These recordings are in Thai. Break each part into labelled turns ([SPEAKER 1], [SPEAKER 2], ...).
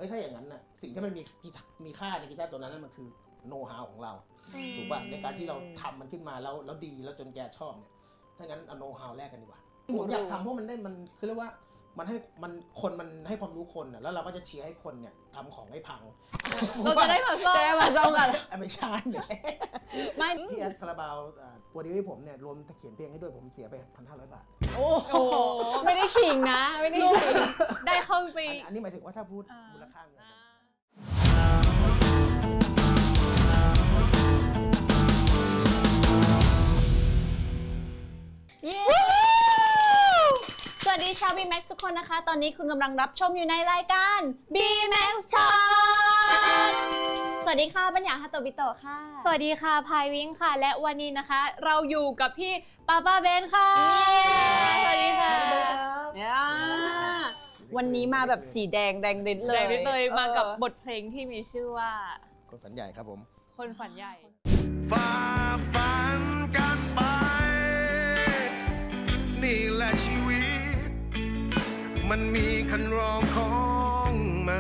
[SPEAKER 1] ถ้าอย่างนั้นน่ะสิ่งที่มันมีค่าในกีตาร์ตัวนั้นมันคือโน้ตฮาวของเราถูกป่ะในการที่เราทำมันขึ้นมาแล้วดีแล้วจนแกชอบเนี่ยถ้างั้นเอาโน้ตฮาวแรกกันดีกว่าผมอยากทำเพราะมันคือเรียกว่ามันให้คนมันให้ความรู้คนแล้วเราก็จะเชียร์ให้คนเนี่ยทำของให้พัง
[SPEAKER 2] เราจะได้มาซ่อมกัน
[SPEAKER 1] ไม่ใช่เลย
[SPEAKER 2] ไม่
[SPEAKER 1] พี่แอดคาราบาวโปรดิวให้ผมเนี่ยรวมเขียนเพลงให้ด้วยผมเสียไป 1,500 บาท
[SPEAKER 2] โอ้โหไม่ได้ขิงนะไม่ได้ขิงได้เข้าไป
[SPEAKER 1] อันนี้หมายถึงว่าถ้าพูดมูลค่าเงิน
[SPEAKER 2] เย้สวัสดีชาว B-Max ทุกคนนะคะ ตอนนี้คุณกำลังรับชมอยู่ในรายการ B-Max Talk สวัสดีค่ะปัญญาฮาโตบิโตะค่ะ
[SPEAKER 3] สวัสดีค่ะพายวิ้งค่ะและวันนี้นะคะ เราอยู่กับพี่ป้าเบนค่ะสวัสดีค่ะ
[SPEAKER 2] วันนี้มาแบบสีแดงแดงดิดเลย
[SPEAKER 3] แรงนิดเลยมากับบทเพลงที่มีชื่อว่า
[SPEAKER 1] คนฝันใหญ่ครับผม
[SPEAKER 3] คนฝันใหญ่
[SPEAKER 4] ฝ่าฝันกันไป นี่แหละชีวิต มันมีคันรองของมัน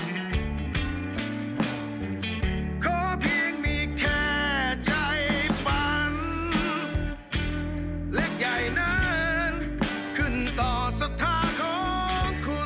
[SPEAKER 4] ขอเพียงมีแค่ใจฝัน เล็กใหญ่นั้นขึ้นต่อศรัทธาของคุณ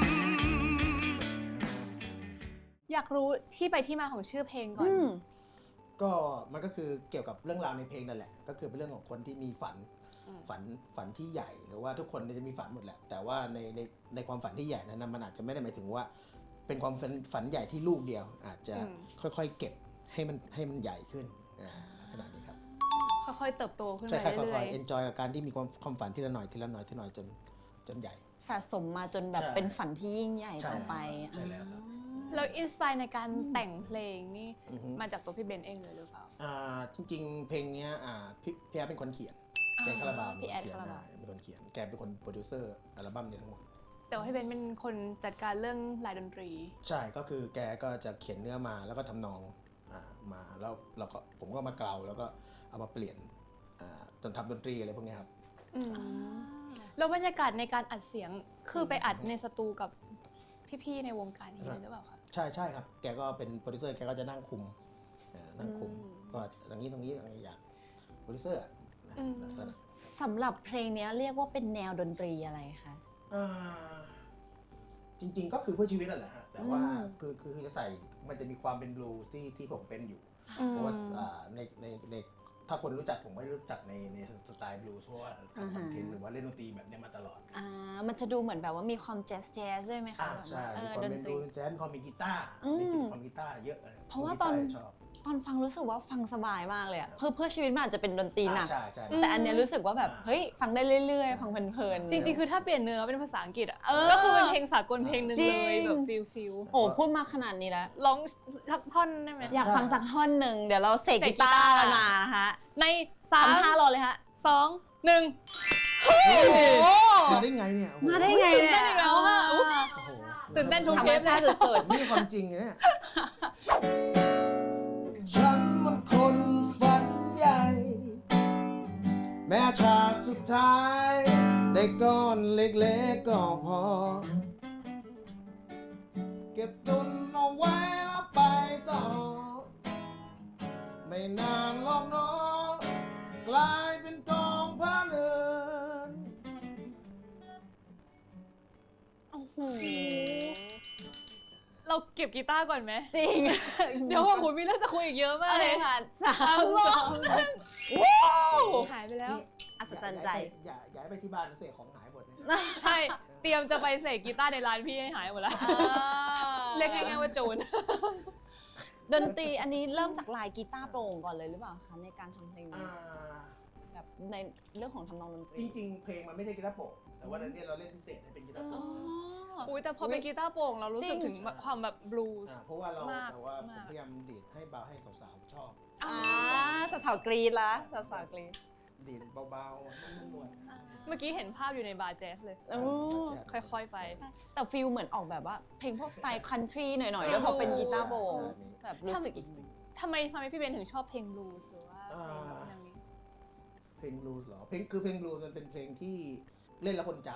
[SPEAKER 3] อยากรู้ที่ไปที่มาของชื่อเพลงก่อน
[SPEAKER 1] ก็มันก็คือเกี่ยวกับเรื่องราวในเพลงนั่นแหละก็คือเป็นเรื่องของคนที่มีฝันที่ใหญ่หรือว่าทุกคนจะมีฝันหมดแหละแต่ว่าในความฝันที่ใหญ่นั้นมันอาจจะไม่ได้หมายถึงว่าเป็นความฝันใหญ่ที่ลูกเดียว อาจจะค่อยๆเก็บให้มันใหญ่ขึ้นลักษณะนี้ครับ
[SPEAKER 3] ค่อยๆเติบโตขึ้น
[SPEAKER 1] ใช่
[SPEAKER 3] ไป
[SPEAKER 1] ค่
[SPEAKER 3] เรื่
[SPEAKER 1] อย
[SPEAKER 3] อย
[SPEAKER 1] ๆ enjoy กับการที่มีความฝันทีละหน่อยจนใหญ่
[SPEAKER 2] สะสมมาจนแบบ
[SPEAKER 1] ใช่
[SPEAKER 2] เป็นฝันที่ยิ่งใหญ่
[SPEAKER 1] ใช่
[SPEAKER 2] ต่อไป
[SPEAKER 1] ใช่แล้วครับ
[SPEAKER 3] ๆแล้วอินสปายในการแต่งเพลงนี่
[SPEAKER 1] อือฮึ
[SPEAKER 3] มาจากตัวพี่เบนเองเลยหรือเปล่า
[SPEAKER 1] จริงๆ เพลงเนี้ยพี่แอดเป็นคนเขียนแกคาราบาว
[SPEAKER 3] พี่แอด
[SPEAKER 1] เป็นคน
[SPEAKER 3] คาราบาว
[SPEAKER 1] เป็นคนเขียนแกเป็นคนโปรดิวเซอร์อัลบั้มนี้ทั้งหมด
[SPEAKER 3] แต่ว่าพี่เบนเป็นคนจัดการเรื่องลายดนตรี
[SPEAKER 1] ใช่ก็คือแกก็จะเขียนเนื้อมาแล้วก็ทำนองมาแล้วผมก็มาเกลาแล้วก็เอามาเปลี่ยนจนทำดนตรีอะไรพวกเนี้ยครับ
[SPEAKER 3] แล้วบรรยากาศในการอัดเสียงคือไปอัดในสตูกับพี่ๆในวงการนี้เลยหรือเปล่าคะ
[SPEAKER 1] ใช่ครับแกก็เป็นโปรดิวเซอร์แกก็จะนั่งคุมก็ตรงนี้อยากโปรดิวเซอร์ลักษณะ
[SPEAKER 2] สำหรับเพลงนี้เรียกว่าเป็นแนวดนตรีอะไรคะ
[SPEAKER 1] จริงๆก็คือเพื่อชีวิตนั่นแหละฮะแต่ว่าคือจะใส่มันจะมีความเป็นบลูส์ที่ผมเป็นอยู่เพราะว่าในถ้าคนรู้จักผมไม่รู้จักในสไตล์บลูส์เพราะว่าทำคอนเทนต์หรือว่าเล่นดนตรีแบบนี้มาตลอด
[SPEAKER 2] มันจะดูเหมือนแบบว่ามีความแจ๊สด้วยไหมคะ
[SPEAKER 1] ใช่
[SPEAKER 2] แบบ
[SPEAKER 1] มี
[SPEAKER 2] ว่า
[SPEAKER 1] ความ
[SPEAKER 2] ด
[SPEAKER 1] เป็น น
[SPEAKER 2] ต
[SPEAKER 1] บ
[SPEAKER 2] รี
[SPEAKER 1] ลูส์แจ๊สความมีกีตาร์มีความกีตาร์เยอะ
[SPEAKER 2] เพราะว่าตอน
[SPEAKER 1] กีร์ชอบ
[SPEAKER 2] ตอนฟังรู้สึกว่าฟังสบายมากเลยอะเพื่อชีวิตมันอาจจะเป็นดนตรีหนัก
[SPEAKER 1] ใช่
[SPEAKER 2] แต่อันเนี้ยรู้สึกว่าแบบเฮ้ยฟังได้เรื่อยๆฟังเพลินๆ
[SPEAKER 3] จริงๆ คือถ้าเปลี่ยนเนื้อเป็นภาษาอังกฤษอ่ะ
[SPEAKER 2] เออ
[SPEAKER 3] ก็คือเป็นเพลงสากลเพลงหนึ่ง
[SPEAKER 2] จริ
[SPEAKER 3] เล
[SPEAKER 2] ง
[SPEAKER 3] ยแบบฟิล
[SPEAKER 2] โอ้พูดมาขนาดนี้แล้ว
[SPEAKER 3] ร้องทักท่อนได้ไหม
[SPEAKER 2] อยากฟังสักท่อนหนึ่งเดี๋ยวเราเสก
[SPEAKER 3] เสก
[SPEAKER 2] กี
[SPEAKER 3] กีตาร์
[SPEAKER 2] ตาร์กันมาฮะ
[SPEAKER 3] ในสาม
[SPEAKER 2] ทำท่ารอเลยฮะ
[SPEAKER 3] 2 1
[SPEAKER 1] มาได้ไงเนี่ยโอ้โห
[SPEAKER 2] มาได้ไงเนี่ย
[SPEAKER 3] ตื่นเต้นอีกแล้วอะ
[SPEAKER 1] โอ้โห
[SPEAKER 3] ตื่นเต้นทุก
[SPEAKER 2] ธร
[SPEAKER 3] เท
[SPEAKER 2] รม
[SPEAKER 3] ป
[SPEAKER 2] ชาติสุด
[SPEAKER 1] นี่คือความจริงเนี่ย ฉันมันคนฝันใหญ่ แม้ฉากสุดท้าย ได้ก้อนเล็กๆก็พอ เก็บตุนเอาไว้แล้วไปต่อ ไม่นานหรอกเนาะกลายเป็นกองผ้าเนิน
[SPEAKER 3] เราเก็บกีตาร์ก่อนไหม
[SPEAKER 2] ๆจริง
[SPEAKER 3] เดี๋ยวว่าผมมีเรื่องจะคุยอีกเยอะมาก
[SPEAKER 2] โอ
[SPEAKER 3] เล
[SPEAKER 2] เค
[SPEAKER 3] ย
[SPEAKER 2] ค่ะ3 2
[SPEAKER 3] หายไปแล้ว
[SPEAKER 2] อัศจรรย์ใจ
[SPEAKER 1] อย่าให้ไปที่บ้านเสียของหายหมดเนี่ย
[SPEAKER 3] ใช่ เตรียมจะไปเสกกีตาร์ในร้านพี่ให้หายหมดแล้ว เรียกง่ายๆว่าโจร
[SPEAKER 2] ดนตรีอันนี้เริ่มจากลายกีตาร์โปร่งก่อนเลยหรือเปล่าคะในการทำเพลงนี้แบบในเรื่องของทำนองดนตรี
[SPEAKER 1] จริงๆ เพลงมันไม่ได้กีตาร์โปร่งแต่ว่าเนี่ยเราเล่นพิเศษให้เป็นกีตาร์โปร่ง
[SPEAKER 3] อุ้ยแต่พอเป็นกีตาร์โปร่งเรารู้สึกถึงความแบบบลูส์
[SPEAKER 1] เพราะว่าเรา
[SPEAKER 3] มาก
[SPEAKER 1] แต่ว่าผม
[SPEAKER 3] มาก
[SPEAKER 1] พยายามดีดให้เบาให้สาวๆชอบ
[SPEAKER 2] สาวๆกรีดละสาวๆกรีด
[SPEAKER 1] ดีดเบาๆนุ่ม
[SPEAKER 3] เมื่อกี้เห็นภาพอยู่ในบาร์แจ๊สเลย
[SPEAKER 1] ๆ
[SPEAKER 2] โอ้
[SPEAKER 3] ค่อยๆไป
[SPEAKER 2] ใช่แต่ฟิลเหมือนออกแบบว่าเพลงพวกสไตล์คันทรีหน่อยๆแล้วพอเป็นกีตาร์โปร่งแบบรู้สึกอีก
[SPEAKER 3] ทำไมพี่เบนถึงชอบเพลงบลูส์หรือว่าเพลงแบบอย่างนี้
[SPEAKER 1] เพลงบลูส์เหรอเพลงบลูส์มันเป็นเพลงที่เล่นแล้วคนจ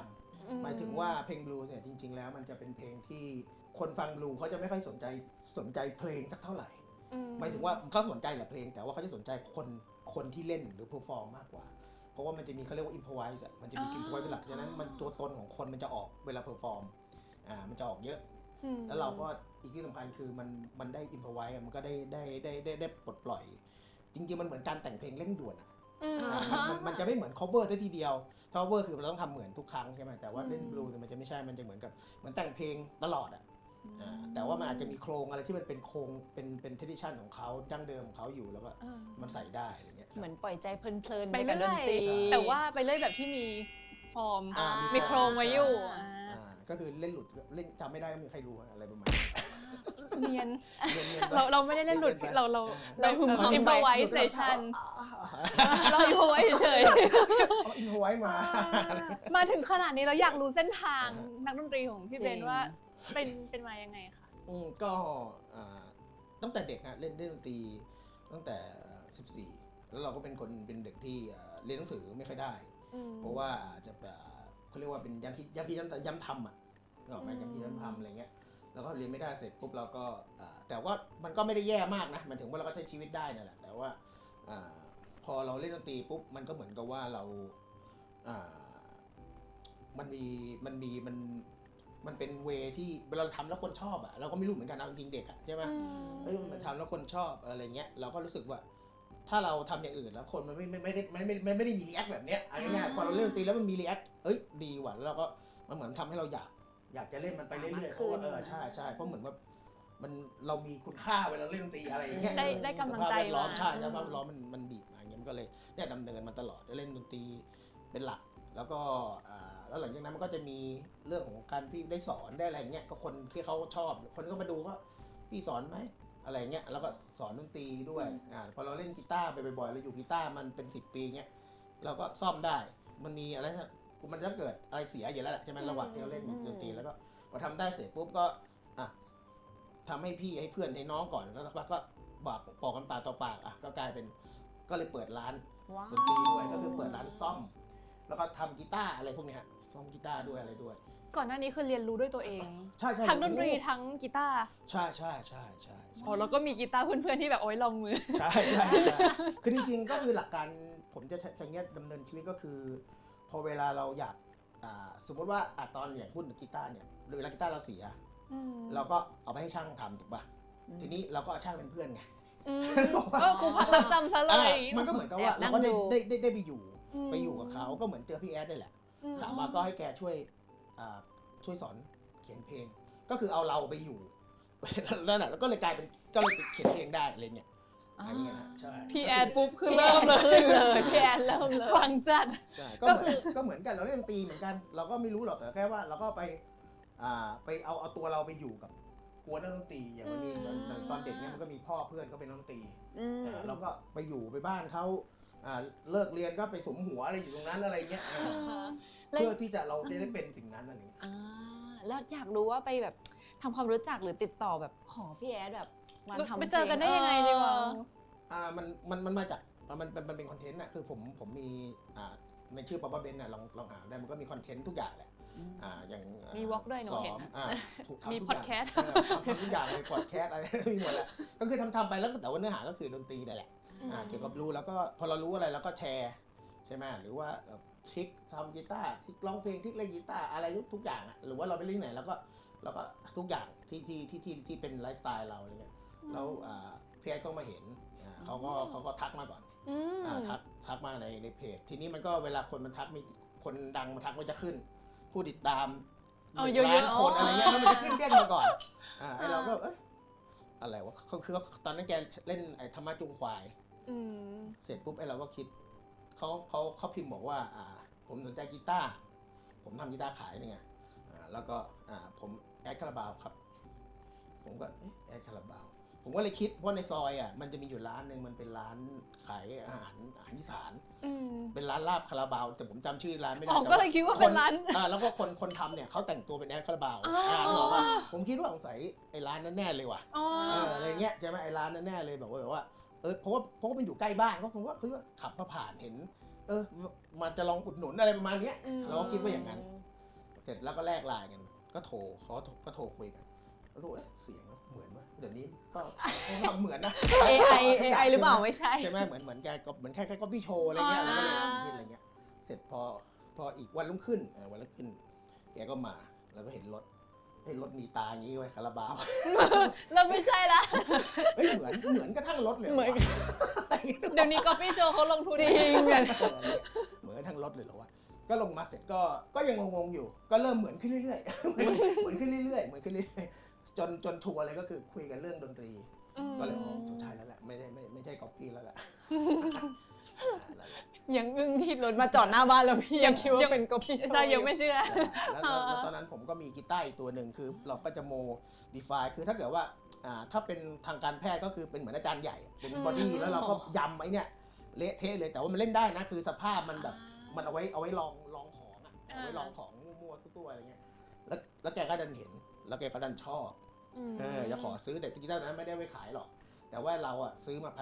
[SPEAKER 1] หมายถึงว่าเพลงบลูส์เนี่ยจริงๆแล้วมันจะเป็นเพลงที่คนฟังบลูเขาจะไม่ค่อยสนใจเพลงสักเท่าไหร่หมายถึงว่าเขาสนใจแหละเพลงแต่ว่าเขาจะสนใจคนที่เล่นหรือเพอร์ฟอร์มมากกว่าเพราะว่ามันจะมีเขาเรียกว่าอิมพอไวส์มันจะมีอิมพอไวส์เป็นหลักฉะนั้นมันตัวตนของคนมันจะออกเวลาเพอร์ฟอร์มมันจะออกเยอะแล้วเราก็อีกที่สำคัญคือมันได้อิมพอไวส์มันก็ได้ปลดปล่อยจริงๆมันเหมือนการแต่งเพลงเร่งด่วนมันจะไม่เหมือน cover ซะทีเดียว cover คือเราต้องทำเหมือนทุกครั้งใช่ไหมแต่ว่าเล่นบลูส์มันจะไม่ใช่มันจะเหมือนแต่งเพลงตลอดแต่ว่ามันอาจจะมีโครงอะไรที่มันเป็นโครงเป็น tradition ของเขาดั้งเดิมของเขาอยู่แล้วก็มันใส่ได้อะไรเงี้ย
[SPEAKER 2] เหมือนปล่อยใจเพลินๆ
[SPEAKER 3] ไป
[SPEAKER 2] กับด
[SPEAKER 3] เรื่
[SPEAKER 2] น
[SPEAKER 3] อย
[SPEAKER 2] ตรี
[SPEAKER 3] แต่ว่าไปเรื่อยแบบที่มีฟอร์ม มีโครง
[SPEAKER 1] ใช่
[SPEAKER 3] ไว้อยู่
[SPEAKER 1] ก็คือเล่นหลุดเล่นจำไม่ได้ไม่มีใครรู้อะไรประมาณนี้
[SPEAKER 3] เนียน
[SPEAKER 1] เนียนๆไป
[SPEAKER 3] เราไม่ได้เล่นหลุด
[SPEAKER 1] เนียนๆไป
[SPEAKER 3] เรา
[SPEAKER 2] หึม
[SPEAKER 3] อิมพอไวเซชันเราอิมพอไวเฉย
[SPEAKER 1] เอาอินโทรไว้มา
[SPEAKER 3] ๆมาถึงขนาดนี้เราอยากรู้เส้นทางนักดนตรีของพี่เบนว่าเป็นมายังไงคะ
[SPEAKER 1] ก็ตั้งแต่เด็กฮะเล่นดนตรีตั้งแต่ 14 แล้วเราก็เป็นเด็กที่เรียนหนังสือไม่ค่อยได้ เพราะว่าจะเขาเรียกว่าเป็นย้ำทำนึกออกไหมย้ำคิดย้ำทำอะไรเงี้ยแล้วก็เรียนไม่ได้เสร็จปุ๊บเราก็แต่ว่ามันก็ไม่ได้แย่มากนะมันถึงว่าเราก็ใช้ชีวิตได้นั่นแหละแต่ว่าพอเราเล่นดนตรีปุ๊บมันก็เหมือนกับว่าเรามันเป็นเวที่เวลาเราทำแล้วคนชอบเราก็ไม่รู้เหมือนกันนะจริงๆเด็กใช่ไหมมันทำแล้วคนชอบอะไรเงี้ยเราก็รู้สึกว่าถ้าเราทำอย่างอื่นแล้วคนมันไม่ได้มีรีแอคแบบเนี้ยอะไรเงี้ยพอเราเล่นดนตรีแล้วมันมีรีแอคดีว่ะแล้วเราก็มันเหมือนทำให้เราอยากจะเล่นมันไปเรื่อยๆเพราะว่าใช่เพราะเหมือนว่าเรามีคุณค่าเวลาเล่นดนตรีอะไรอย่างเงี้ย
[SPEAKER 3] ได้กำลังใจ
[SPEAKER 1] สภาพแวดล้อม
[SPEAKER 3] มา
[SPEAKER 1] ใช่สภาพแวดล้อมมันบีบมาอย่างเงี้ยมันก็เลยเนี่ยดำเนินมาตลอดเล่นดนตรีเป็นหลักแล้วก็แล้วหลังจากนั้นมันก็จะมีเรื่องของการที่ได้สอนได้อะไรเงี้ยก็คนที่เขาชอบคนก็มาดูว่าพี่สอนไหมอะไรเงี้ยแล้วก็สอนดนตรีด้วยพอเราเล่นกีตาร์ไปบ่อยๆเราอยู่กีตาร์มันเป็น10 ปีเงี้ยเราก็ซ่อมได้มันมีอะไรนะมันจะเกิดอะไรเสียอยู่แล้วแหละใช่ไหมระหว่างที่เราเล่นดนตรีแล้วก็พอทำได้เสร็จปุ๊บก็ทำให้พี่ให้เพื่อนให้น้องก่อนแล้วสักพักก็บอกกันปากต่อปากก็กลายเป็นก็เลยเปิดร้านดนตรีด้วยก็คือเปิดร้านซ่อมแล้วก็ทำกีตาร์อะไรพวกนี้ฮะซ่อมกีตาร์ด้วยอะไรด้วย
[SPEAKER 3] ก่อนหน้านี้คือเรียนรู้ด้วยตัวเอง
[SPEAKER 1] ใช่
[SPEAKER 3] ทั้งดนตรีทั้งกีตาร์
[SPEAKER 1] ใช่
[SPEAKER 3] แล้วก็มีกีตาร์เพื่อนๆที่แบบโอ๊ยลองมือ
[SPEAKER 1] ใช่คือจริงๆก็คือหลักการผมจะอย่างเงี้ยดำเนินชีวิตก็คือพอเวลาเราอยากสมมติว่าตอนอย่างพูดถึงกีตาร์เนี่ยหรือเวลากีตาร์เราเสียเราก็เอาไปให้ช่างทำถูกป่ะทีนี้เราก็เอาช่างเป็นเพื่อนไง
[SPEAKER 3] ครูพักรักจำซะเลย
[SPEAKER 1] มันก็เหมือนกับว่าเราก็ได้ไปอยู่กับเขาก็เหมือนเจอพี่แอดได้แหละถามว่าก็ให้แกช่วยสอนเขียนเพลงก็คือเอาเราไปอยู่นั่นแหละแล้วก็เลยกลายเป็นก็เลยเขียนเพลงได้อะไรเงี้ยอย่างเงี้ยนะใช่
[SPEAKER 3] พี่แอนปุ๊บคือเริ่มเลย
[SPEAKER 2] พี่แอนเริ่มเลย
[SPEAKER 3] ฟังจัด
[SPEAKER 1] ก็เหมือนกันเราเล่นดนตรีเหมือนกันเราก็ไม่รู้หรอกแต่แค่ว่าเราก็ไปเอาตัวเราไปอยู่กับกวนนักดนตรีอย่างมันมีตอนเด็กเนี่ยมันก็มีพ่อเพื่อนเขาเป็นนักดนตรีเราก็ไปอยู่ไปบ้านเขาเลิกเรียนก็ไปสมหัวอะไรอยู่ตรงนั้นอะไรเงี้ยเพื่อที่จะเราได้เป็นสิ่งนั้นอะไรเงี้ย
[SPEAKER 2] แล้วอยากรู้ว่าไปแบบทำความรู้จักหรือติดต่อแบบขอพี่แอดแบบมาทำ
[SPEAKER 3] ไปเจอกันได้ยังไงดีวะ
[SPEAKER 1] มันมาจากมันเป็นคอนเทนต์คือผมมีในชื่อป๊อปเบนลองหาได้มันก็มีคอนเทนต์ทุกอย่างแหละอย่าง
[SPEAKER 3] มีวอล์กด้วยหนูเห็นมีพอดแคสต์
[SPEAKER 1] ทำทุกอย่างเลยพอดแคสต์อะไรมีหมดแหละก็คือทำไปแล้วแต่ว่าเนื้อหาก็คือดนตรีนั่นแหละเกี่ยวกับรู้แล้วก็พอเรารู้อะไรเราก็แชร์ใช่ไหมหรือว่าทริคทำกีตาร์ทริคร้องเพลงทริคเล่นกีตาร์อะไรทุกอย่างหรือว่าเราไปเล่นไหนแล้วก็ทุกอย่างที่เป็นไลฟ์สไตล์เราอะไรเงี้ยแล้วพี่แอดก็มาเห็นเขาก็ทักมาก่อนทักมาในเพจทีนี้มันก็เวลาคนมันทักมีคนดังมาทักมันจะขึ้นผู้ติดตาม1 ล้านคนอะไรเงี้ยแล้วมันจะขึ้นเด้งมาก่อนไอเราก็อะไรวะคือตอนนั้นแกเล่นไอ้ธรรมะจุงควายเสร็จปุ๊บไอเราก็คิดเขาพิมพ์บอกว่าผมสนใจกีตาร์ผมทำกีตาร์ขายเนี่ยแล้วก็ผมแอดคาราบาวครับผมก็แอดคาราบาวผมก็เลยคิดว่าในซอยมันจะมีอยู่ร้านนึงมันเป็นร้านขายอาหารอีสานเป็นร้านลาบคาราบาวแต่ผมจำชื่อร้านไม่ได้
[SPEAKER 3] ก็เลยคิดว่าเป็นร้าน
[SPEAKER 1] แล้วก็คนทำเนี่ยเขาแต่งตัวเป็นแอดคาราบาวนึกออกป่ะผมคิดว่าสงสัยไอ้ร้านนั้นแน่เลยว่ะอะไรเงี้ยใช่ไหมไอ้ร้านนั้นแน่เลยแบบว่าเพราะว่ามันอยู่ใกล้บ้านก็ผมว่าคือว่าขับมาผ่านเห็นมันจะลองอุดหนุนอะไรประมาณนี้เราก็คิดว่าอย่างนั้นเสร็จแล้วก็แลกไลน์กันก็โทรเขาก็โทรคุยกันแล้วรู้เสียงเหมือนว่าเดี๋ยวนี้ก็ทำเหมือนนะ
[SPEAKER 2] AI หรือเปล่าไม่ใช่
[SPEAKER 1] ใช่ไหมเหมือนแกก็เหมือนแค่ก็พี่โชว์อะไรเงี้ยแล้วก็เลยคิดอะไรเงี้ยเสร็จพออีกวันรุ่งขึ้นแกก็มาแล้วก็เห็นรถมีตาอย่างนี้ไว้คาราบาว
[SPEAKER 2] เราไม่ใช่ละ
[SPEAKER 1] เฮ้ยเหมือนกระทั่งรถเลย
[SPEAKER 2] เหมือน เดี๋ยวนี้ก็พี่โชว์เขาลงทุนจริง
[SPEAKER 1] เหมือนกระทั่งรถเลยเหรอวะก็ลงมาเสร็จก็ยังงงๆอยู่ ก็เริ่มเหมือนขึ้นเรื่อยๆ เหมือนขึ้นเรื่อยๆจนทัวร์เลยก็คือคุยกันเรื่องดนตรี ก็เลยใช่แล้วแหละไม่ใช่ก๊อปปี้แล้วแหละ
[SPEAKER 2] ยังอึ้งที่รถมาจอดหน้าบ้านแล้วพี่ยังคิดว่าเป็นก็พี่โชว์
[SPEAKER 3] ใช่ยังไม่เชื่อ
[SPEAKER 1] แล้วตอนนั้นผมก็มีกีตาร์อีกตัวหนึ่งคือเราก็จะโมดิฟายคือถ้าเกิดว่าถ้าเป็นทางการแพทย์ก็คือเป็นเหมือนอาจารย์ใหญ่เป็นบอดี้แล้วเราก็ยำไอ้เนี่ยเละเทะเลยแต่ว่ามันเล่นได้นะคือสภาพมันแบบมันเอาไว้ลองของอ่ะเอาไว้ลองของมั่วๆตัวๆอะไรเงี้ยแล้วแกก็ดันเห็นแล้วแกก็ดันชอบจะขอซื้อแต่กีตาร์นั้นไม่ได้ไว้ขายหรอกแต่ว่าเราอ่ะซื้อมา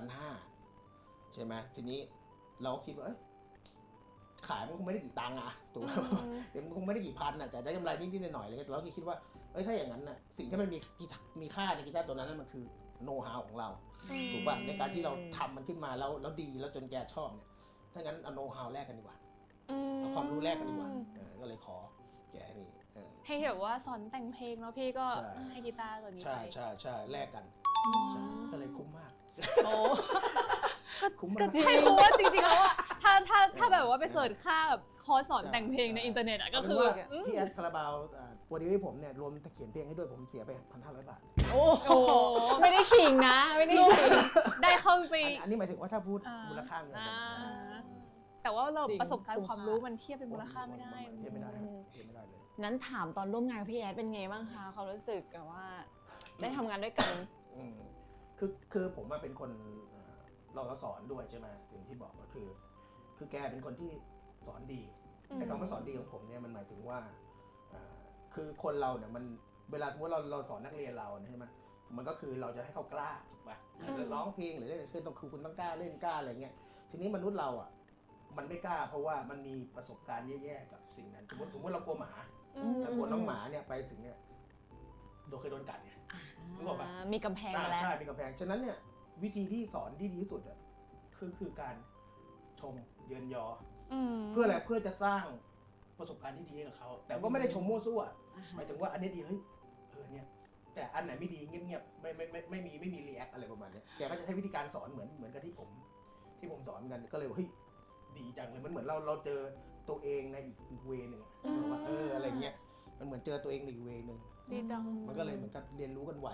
[SPEAKER 1] 1,500ใช่ไหมทีนี้เราก็คิดว่าขายมันคงไม่ได้กี่ตังค์อะถูกไหมเดี๋ยวมันคงไม่ได้กี่พันอะแต่ได้กำไรนิดๆหน่อยๆอะไรเงี้ยเราก็คิดว่าถ้าอย่างนั้นน่ะสิ่งที่มันมีค่าในกีตาร์ตัวนั้นมันคือโน้ตฮาวของเราถูกป่ะในการที่เราทำมันขึ้นมาแล้วดีแล้วจนแกชอบเนี่ยถ้างั้นเอาโน้ตฮาวแลกกันดีกว่าเอาความรู้แลกกันดีกว่าก็เลยขอแกนี่
[SPEAKER 3] ให้แบบว่าสอนแต่งเพลงแล้วพี่ก็ให้กีตาร์ตัวนี้ไป
[SPEAKER 1] ใช่แลกกันก็เลยคุ้มมาก
[SPEAKER 3] โอ้
[SPEAKER 1] คุ้มมาก
[SPEAKER 3] ก็ใช่เพราะว่าจริงๆแล้วอะถ้าแบบว่าไปเสิร์ชค่าแบบคอร์สสอนแต่งเพลงในอินเทอร์เน็ตอะก็คือ
[SPEAKER 1] พี่แอดคาราบาวโปรดิวให้ผมเนี่ยรวมเขียนเพลงให้ด้วยผมเสียไป 1,500 บาท
[SPEAKER 2] โอ้โหไม่ได้ขิงนะไม่ได้ขิง
[SPEAKER 3] ได้เข้าไป
[SPEAKER 1] อันนี้หมายถึงว่าถ้าพูดมูลค่าเงิน
[SPEAKER 3] แต่ว่าเรา
[SPEAKER 2] จริง
[SPEAKER 3] ประสบการณ์ความรู้มันเทียบเป็นมูลค่าไม่ได้
[SPEAKER 1] เทียบไม่ได้ครับเทียบไม่ได้เลย
[SPEAKER 2] นั้นถามตอนร่วมงานกับพี่แอดเป็นไงบ้างคะความรู้สึกกับว่าได้ทำงานด้วยกัน
[SPEAKER 1] คือผมมาเป็นคนเราสอนด้วยใช่ไหมอย่างที่บอกก็คือแกเป็นคนที่สอนดีแต่คำว่าสอนดีของผมเนี่ยมันหมายถึงว่าคือคนเราเนี่ยมันเวลาสมมติเราสอนนักเรียนเราใช่ไหมมันก็คือเราจะให้เขากล้าถูกป่ะร้องเพลงหรือเล่นคือคุณต้องกล้าเล่นกล้าอะไรเงี้ยทีนี้มนุษย์เราอ่ะมันไม่กล้าเพราะว่ามันมีประสบการณ์แย่ๆกับสิ่งนั้นสมมติเรากลัวหมาแล้วกลัวน้องหมาเนี่ยไปถึงเนี่ยเคยโดนกัดไงรู้ป่ะ
[SPEAKER 2] มีกำแพงมาแล้ว
[SPEAKER 1] ใช่มีกำแพงฉะนั้นเนี่ยวิธีที่สอนที่ดีที่สุดอ่ะคือการชมเยินยอเพื่ออะไรเพื่อจะสร้างประสบการณ์ที่ดีให้กับเขาแต่ก็ไม่ได้ชมมั่วซั่วหมายถึงว่าอันนี้ดีเฮ้ยเนี่ยแต่อันไหนไม่ดีเงียบๆไม่มีรีแอคอะไรประมาณนี้แกก็จะใช้วิธีการสอนเหมือนกับที่ผมสอนกันก็เลยว่าเฮ้ยดีจังเลยมันเหมือนเราเจอตัวเองในอีกเวนึงว่าอะไรเงี้ยมันเหมือนเจอตัวเองในอีกเวนึง
[SPEAKER 3] ดีจัง
[SPEAKER 1] มันก็เลยเหมือนกับเรียนรู้กันไว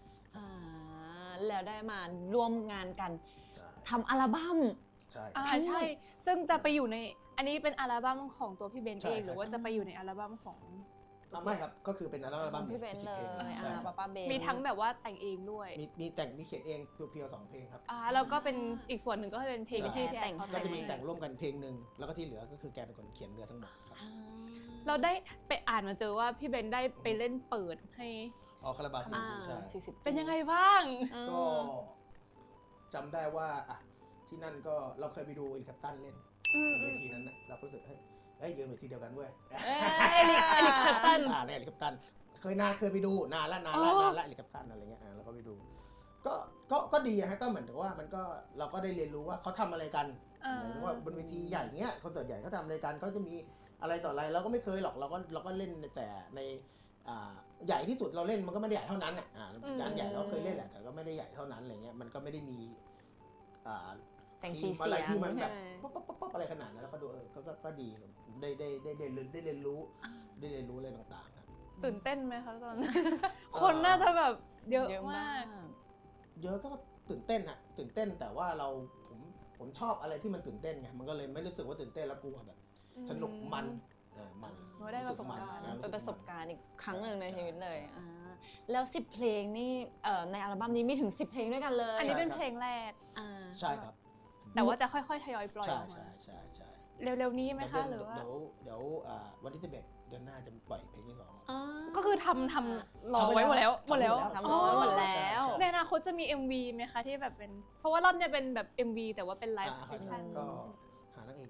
[SPEAKER 2] แล้วได้มาร่วมงานกันทำอัลบั้ม
[SPEAKER 1] ใช่
[SPEAKER 3] ใช่ซึ่งจะไปอยู่ในอันนี้เป็นอัลบั้มของตัวพี่เบนเองหรือว่าจะไปอยู่ในอัลบั้มของ
[SPEAKER 1] ไม่ครับก็คือเป็นอัลบั้ม
[SPEAKER 2] พี่เบนเลยป้าเบน
[SPEAKER 3] มีทั้งแบบว่าแต่งเองด้วย
[SPEAKER 1] มีแต่งมีเขียนเองเพียวๆ2 เพลงครับ
[SPEAKER 3] แล้วก็เป็นอีกส่วนหนึ่งก็เป็นเพลงที่พี่แอนเขา
[SPEAKER 1] ก็จะมีแต่งร่วมกันเพลงหนึ่งแล้วก็ที่เหลือก็คือแกเป็นคนเขียนเนื้อทั้งหมดครับ
[SPEAKER 3] เราได้ไปอ่านมาเจอว่าพี่เบนได้ไปเล่นเปิดให้
[SPEAKER 1] คาราบาว40
[SPEAKER 2] 40
[SPEAKER 3] เป็นยังไงบ้าง
[SPEAKER 1] ก็จำได้ว่าที่นั่นก็เราเคยไปดูเอลิคัปตันเล่นเวทีนั้นนะเราก็รู้สึกเฮ้ยยืนเวทีเดียวกันเว้ย
[SPEAKER 3] เอลิคัปตัน
[SPEAKER 1] เนี่ยเอลิคัปตันเคยไปดูนานละเอลิคัปตันอะไรเงี้ยเราก็ไปดูก็ดีฮะก็เหมือนกับว่ามันก็เราก็ได้เรียนรู้ว่าเขาทำอะไรกันหมายถึงว่าบนเวทีใหญ่เงี้ยคอนเสิร์ตใหญ่เขาทำอะไรกันเขาจะมีอะไรต่ออะไรเราก็ไม่เคยหรอกเราก็เล่นแต่ในใหญ่ที่สุดเราเล่นมันก็ไม่ได้ใหญ่เท่านั้นงานใหญ่เราเคยเล่นแหละแต่ก็ไม่ได้ใหญ่เท่านั้นอะไรเงี้ยมันก็ไม่ได้มีทีมอะไรที่มันแบบป๊บอะไรขนาดนั้นแล้วก็ดูก็ดีได้เรียนรู้อะไรต่างๆครับ
[SPEAKER 3] ตื่นเต้นไหมคะตอนนั้นคนน่าจะแบบเยอะมาก
[SPEAKER 1] เยอะก็ตื่นเต้นตื่นเต้นแต่ว่าผมชอบอะไรที่มันตื่นเต้นไงมันก็เลยไม่รู้สึกว่าตื่นเต้นแล้วกลัวแบบสนุกมัน
[SPEAKER 3] ได้ประสบการณ์
[SPEAKER 2] เป็นประสบการณ์อีกครั้งหนึ่งในชีวิตเลยแล้ว10 เพลงนี่ในอัลบั้มนี้มีถึง10 เพลงด้วยกันเลย
[SPEAKER 3] อันนี้เป็นเพลงแรก
[SPEAKER 1] ใช่ครับ
[SPEAKER 3] แต่ว่าจะค่อยๆทยอยปล่อย
[SPEAKER 1] ใช่
[SPEAKER 3] เร็วๆนี้ไหมคะหรือว่า
[SPEAKER 1] เดี๋ยววันที่11 เดือนหน้าจะปล่อยเพลงที่2
[SPEAKER 3] ก็คือทำรอไว้หมดแล้ว
[SPEAKER 2] ทำรอหมดแล้ว
[SPEAKER 3] ในอนาคตจะมี MV ไหมคะที่แบบเป็นเพราะว่ารอบนี้เป็นแบบ MV แต่ว่าเป็นไลฟ์เซสชั่น
[SPEAKER 1] ก็หานางเอกอยู่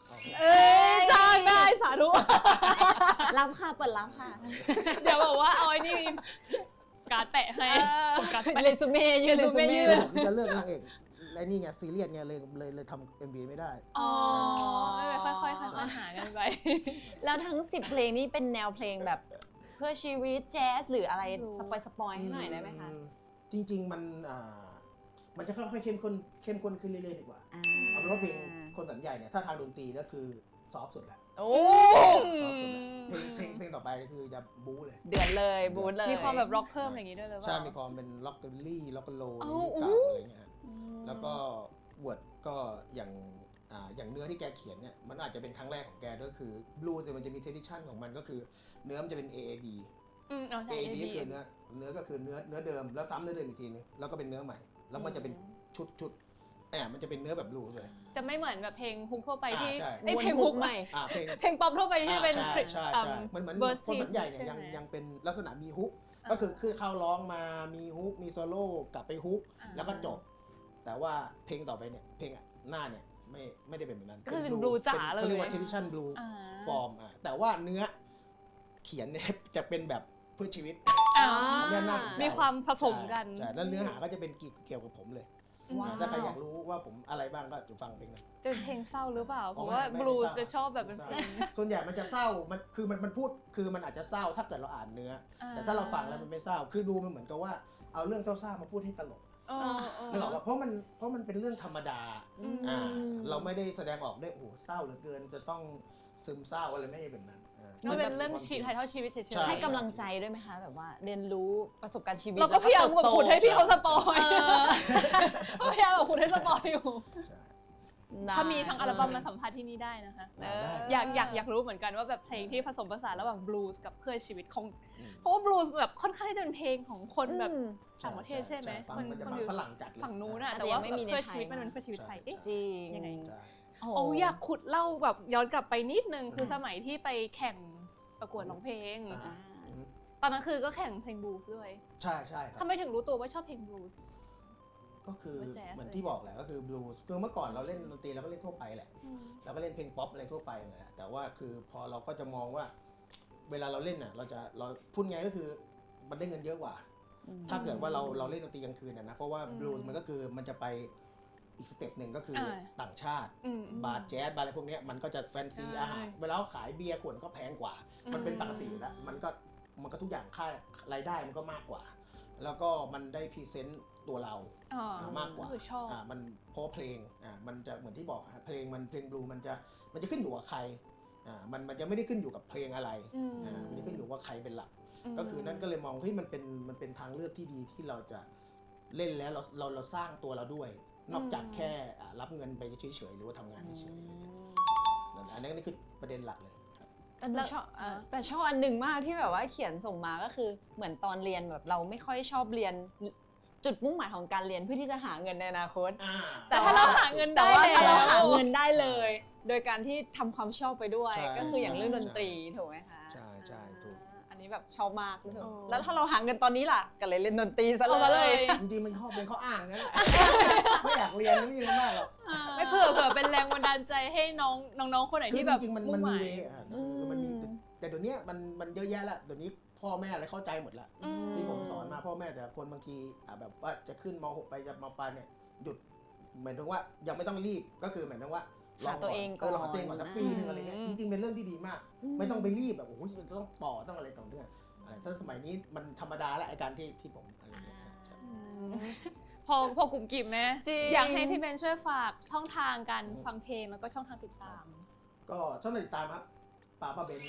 [SPEAKER 3] เอ้ยจ้างได้สาธุ
[SPEAKER 2] รับค่ะเปิดรับค่ะ
[SPEAKER 3] เดี๋ยวบอกว่าเอาไอ้นี่การ์ดแปะให้การ์ดแปะ
[SPEAKER 2] เรซูเม่ยืนเรซูเม่
[SPEAKER 3] ยื
[SPEAKER 2] ยื
[SPEAKER 3] น
[SPEAKER 2] น
[SPEAKER 1] ผมจะเลือกนางเอกและนี่ไงซีเรียสไงเลยทำ MV ไม่ได้
[SPEAKER 3] อ๋อไม่เป็นค่อยๆค่อยๆหากันไป
[SPEAKER 2] แล้วทั้ง 10 เพลงนี้เป็นแนวเพลงแบบเพื่อชีวิตแจ๊สหรืออะไรสปอยให้หน่อยได้ไหมคะ
[SPEAKER 1] จริงๆมันจะค่อยๆเข้มข้นขึ้นเรื่อยๆดีกว่า เอาเป็นว่าเพลงคนสันใหญ่เนี่ยถ้าทางดนตรีก็คือซอฟต์สุดแหละ
[SPEAKER 2] โอ้
[SPEAKER 1] ซอฟต์สุดแหละเพลงต่อไปคือจะบู๊เลย
[SPEAKER 2] เดือดเลยบูธเลย
[SPEAKER 3] มีความแบบร็อกเพิ่มอะไรอย่างงี้ด้วยหรือเปล่า
[SPEAKER 1] ใช่มีความเป็นล็อกเกอรี่ล็อกโล
[SPEAKER 3] อ๋
[SPEAKER 1] ใน
[SPEAKER 3] อ
[SPEAKER 1] ยุคเก่าอะไรเงี้ยฮะ แล้วก็วดก็อย่างเนื้อที่แกเขียนเนี่ยมันอาจจะเป็นครั้งแรกของแกด้วยคือบลูส์มันจะมีเทดิชันของมันก็คือเนื้อมันจะเป็น AAD
[SPEAKER 3] อ๋อใช่
[SPEAKER 1] AAD ก็คือเนื้อก็คือเนื้อเดิมแล้วซ้ำเนื้อเดิมอีกทีนึงแล้วก็เป็นเนื้อใหม่ แล้วมันจะเป็นชุดมันจะเป็นเนื้อแบบบลูส์เลย
[SPEAKER 3] จะไม่เหมือนแบบเพลงฮุกทั่วไปที่
[SPEAKER 1] ใช่
[SPEAKER 3] ไอ้เพลงฮุกใหม่
[SPEAKER 1] เพลง
[SPEAKER 3] เพลงป๊อปทั่วไปที่เป็น
[SPEAKER 1] ใช่เหมือน
[SPEAKER 3] verse
[SPEAKER 1] คนสันใหญ่เนี่ย
[SPEAKER 3] ใช่ไหม
[SPEAKER 1] ยังเป็นลักษณะมีฮุกก็คือเข้าร้องมามีฮุกมีโซโล่กลับไปฮุกแล้วก็จบ แต่ว่าเพลงต่อไปเนี่ยเพลงหน้าเนี่ยไม่ได้เป็นแบบนั้น
[SPEAKER 3] ก็คือเป็น blue จ๋าเลย
[SPEAKER 1] เขาเรียกว่า tradition blue
[SPEAKER 3] อ่า
[SPEAKER 1] form แต่ว่าเนื้อเขียนเนี่ยจะเป็นแบบเพื่อชีวิต
[SPEAKER 3] อ๋อ
[SPEAKER 1] เนี่ยน่าสนใจ
[SPEAKER 3] มีความผสมกัน
[SPEAKER 1] ใช่แล้วเนื้อหาก็จะเป็นเกี่ยวกับผมเลย
[SPEAKER 2] ว้าว
[SPEAKER 1] ถ้าใครอยากรู้ว่าผมอะไรบ้างก็จะฟังเพลงนั้น
[SPEAKER 3] จะเป็นเพลงเศร้าหรือเปล่า เพราะ
[SPEAKER 1] ไม่
[SPEAKER 3] ว่า
[SPEAKER 1] ไม่
[SPEAKER 3] บลูส์
[SPEAKER 1] เศร้า
[SPEAKER 3] จะชอบแบบเป็นเพลง
[SPEAKER 1] ส่วนใหญ่มันจะเศร้ามันพูดคือมันอาจจะเศร้าถ้าเกิดเราอ่านเนื้อ แต่ถ้าเราฟังแล้วมันไม่เศร้า คือดูมันเหมือนกับว่าเอาเรื่องเศร้าๆมาพูดให้ตลกนึกออกป่ะเพราะมันเป็นเรื่องธรรมดาเราไม่ได้แสดงออกได้โอ้โหเศร้าเหลือเกินจะต้องซึมเศร้าอะไรไม่ใช่แบบนั้น
[SPEAKER 3] มันเป็นเรื่องชีวิตถ่ายทอดชีวิตเฉย
[SPEAKER 1] ใช่
[SPEAKER 2] ให้กำลังใจด้วยไหมคะแบบว่าเรียนรู้ประสบการณ์ชีวิต
[SPEAKER 3] เราก็พยายามแบบขุดให้พี่เขาสปอย
[SPEAKER 2] เออ
[SPEAKER 3] พยายามแบบขุดให้สปอยอยู่
[SPEAKER 1] ใช่
[SPEAKER 3] ถ้ามีทั้งอัลบั้มมาสัมภาษณ์ที่นี่ได้นะคะ
[SPEAKER 1] ได้
[SPEAKER 3] อยากรู้เหมือนกันว่าแบบเพลงที่ผสมผสานระหว่างบลูส์กับเพื่อชีวิตของ
[SPEAKER 1] อืม
[SPEAKER 3] เพราะว่าบลูส์แบบค่อนข้างที่จะเป็นเพลงของคนแบบ
[SPEAKER 2] อืม
[SPEAKER 3] ต่างประเทศใช่ไหม
[SPEAKER 1] ฟังมันจะฟังฝรั่งจัดเลย
[SPEAKER 3] ฝั่งนู้นอะ
[SPEAKER 2] อาจจะ
[SPEAKER 3] แต่ว่า
[SPEAKER 2] ยังไม่มีใน
[SPEAKER 3] เพื่อ
[SPEAKER 2] ไทย
[SPEAKER 3] ชีวิตมันเป็นเพื่อชีวิตไทยเอ๊ะ
[SPEAKER 2] จริง
[SPEAKER 3] ยังไง
[SPEAKER 1] ใช่
[SPEAKER 3] โอ้อยากขุดเล่าแบบย้อนกลับไปนิดนึงคือสมัยที่ไปแข่งประกวดร้องเพลง
[SPEAKER 1] อ่า
[SPEAKER 3] ตอนนั้นคือก็แข่งเพลงบลูส์ด้วย
[SPEAKER 1] ใช่ครับ
[SPEAKER 3] ทำไมถึงรู้ตัวว่าชอบเพลงบลูส์
[SPEAKER 1] ก็คือ
[SPEAKER 3] ไม่แจ๊ส
[SPEAKER 1] เหมือนที่บอกแหละก็คือบลูส์คือเมื่อก่อนเราเล่นดนตรีเราก็เล่นทั่วไปแหละเราก็เล่นเพลงป๊อปอะไรทั่วไปนั่นแหละแต่ว่าคือพอเราก็จะมองว่า เวลาเราเล่นน่ะเราพูดไงก็คือมันได้เงินเยอะกว่า ถ้าเกิดว่าเราเล่นดนตรีกลางคืนนะเพราะว่าบลูส์มันก็คือมันจะไปอีกสเต็ปหนึ่งก็คือต่างชาติ บาร์แจ๊สบาร์อะไรพวกเนี้ยมันก็จะแฟนซีอาหารเวลาเขาขายเบียร์ขวดก็แพงกว่า มันเป็นปกติอยู่แล้วมันก็ทุกอย่างค่ารายได้มันก็มากกว่า แล้วก็มันได้พรีเซนต์ตัวเรามากกว่า
[SPEAKER 3] คือชอบ
[SPEAKER 1] มันเพราะเพลงมันจะเหมือนที่บอกเพลงบลูมันจะขึ้นอยู่กับใครมันจะไม่ได้ขึ้นอยู่กับเพลงอะไรมันจะขึ้นอยู่ว่าใครเป็นหลัก ก็คือนั่นก็เลยมองที่มันเป็นทางเลือกที่ดีที่เราจะเล่นแล้วเราสร้างตัวเราด้วย นอกจากแค่รับเงินไปเฉยๆหรือว่าทำงานเฉยๆอะไรเงี้ยอันนี้คือประเด็นหลักเลยครับ
[SPEAKER 2] แต่ชอบอันหนึ่งมากที่แบบว่าเขียนส่งมาก็คือเหมือนตอนเรียนแบบเราไม่ค่อยชอบเรียนจุดมุ่งหมายของการเรียนเพื่อที่จะหาเงินในอนาคต
[SPEAKER 3] แต่ถ้าเราหาเงินได้
[SPEAKER 2] แต่ว่าถ้าเรา
[SPEAKER 3] แล้ว
[SPEAKER 2] หาเงินได้เลย โดยการที่ทำความชอบไปด้วย
[SPEAKER 1] ใช่
[SPEAKER 2] ก็คืออย่างเรื่องดนตรีถูกไหมคะ
[SPEAKER 1] ใช่ถูก
[SPEAKER 2] อันนี้แบบชอบมากรู้สึกแล้วถ้าเราหาเงินตอนนี้ล่ะก็เลยเล่นดนตรีซะ
[SPEAKER 3] เอามา
[SPEAKER 2] เล
[SPEAKER 3] เลย ย
[SPEAKER 1] จริงๆมันเป็นข้ออ้างนั่นแหละ ไม่อยากเรียนไม่มีอะไรมากหรอก
[SPEAKER 3] ไม่เผื่อเป็นแรงบันดาลใจให้น้องคนไหน
[SPEAKER 1] คือ
[SPEAKER 3] ที่
[SPEAKER 1] จ
[SPEAKER 3] แบบ
[SPEAKER 1] ริงๆมัน
[SPEAKER 3] มุ่งห
[SPEAKER 1] มี
[SPEAKER 3] มาย
[SPEAKER 1] เวคือมันมีแต่เดี๋ยวนี้มันเยอะแยะละเดี๋ยวนี้พ่อแม่อะไรเข้าใจหมดละที่ผมสอนมาพ่อแม่แต่คนบางทีแบบว่าจะขึ้นม.6 ไปจะม.ปลายเนี่ยหยุดหมายถึงว่ายังไม่ต้องรีบก็คือหมายถึงว่า
[SPEAKER 2] หาตัวเองก่อน
[SPEAKER 1] ลองหาตัวเองก่อนสักปีหนึ่งอะไรเงี้ยจริงๆเป็นเรื่องที่ดีมาก ไม่ต้องไปรีบแบบโอ้โหจะต้องต่อต้องอะไรต่อเนื่องอะไรถ้าสมัยนี้มันธรรมดาแล้วไอ้การที่ผมอะไรเงี้ยใช่
[SPEAKER 3] พอกลุ่มกิ่มไหม
[SPEAKER 2] จริง
[SPEAKER 3] อยากให้พี่เบนช่วยฝากช่องทางการฟังเพลงแล้วก็ช่องทางติดตาม
[SPEAKER 1] ก็ช่องทางติดตามครับป้าเบนนะ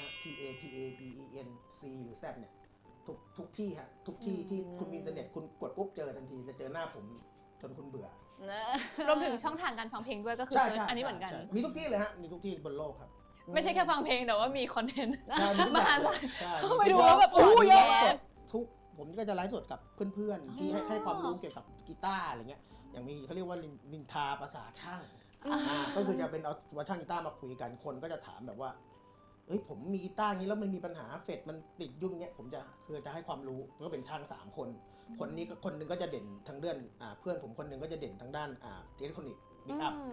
[SPEAKER 1] PABEN C หรือ Z เนี่ยทุกที่ฮะทุกที่ที่คุณมีอินเทอร์เน็ตคุณกดปุ๊บเจอทันทีจะเจอหน้าผมจนคุณเบื่อ
[SPEAKER 3] รวมถึงช่องทางการฟังเพลงด้วยก็คือ
[SPEAKER 1] ใช่
[SPEAKER 3] อันนี้เหมือนกัน
[SPEAKER 1] ใช่มีทุกที่เลยฮะมีทุกที่บนโลกครับ
[SPEAKER 3] ไม่ใช่แค่ฟังเพลงแต่ว่ามีคอนเทนต์
[SPEAKER 1] ใช่มีทุกแบบเลยใช่
[SPEAKER 3] เข้าไปดูแล้วแบบโอ้เยอะ
[SPEAKER 1] ไลฟ์สดทุกผมก็จะไลฟ์สดกับเพื่อนๆที่ให้ความรู้เกี่ยวกับกีตาร์อะไรเงี้ยอย่างมีเขาเรียกว่านินทาภาษาช่างก็คือจะเป็นเอาว่าช่างกีตาร์มาคุยกันคนก็จะถามแบบว่าเฮ้ยผมมีกีตาร์นี้แล้วมันมีปัญหาเฟดมันติดยุ่งเงี้ยผมจะให้ความรู้ก็เป็นช่าง3คนคนนี้ก็คนนึงก็จะเด่นทางด้านเพื่อนผมคนนึงก็จะเด่นทางด้านอิเล็กทรอนิกส์บิ๊กอัพ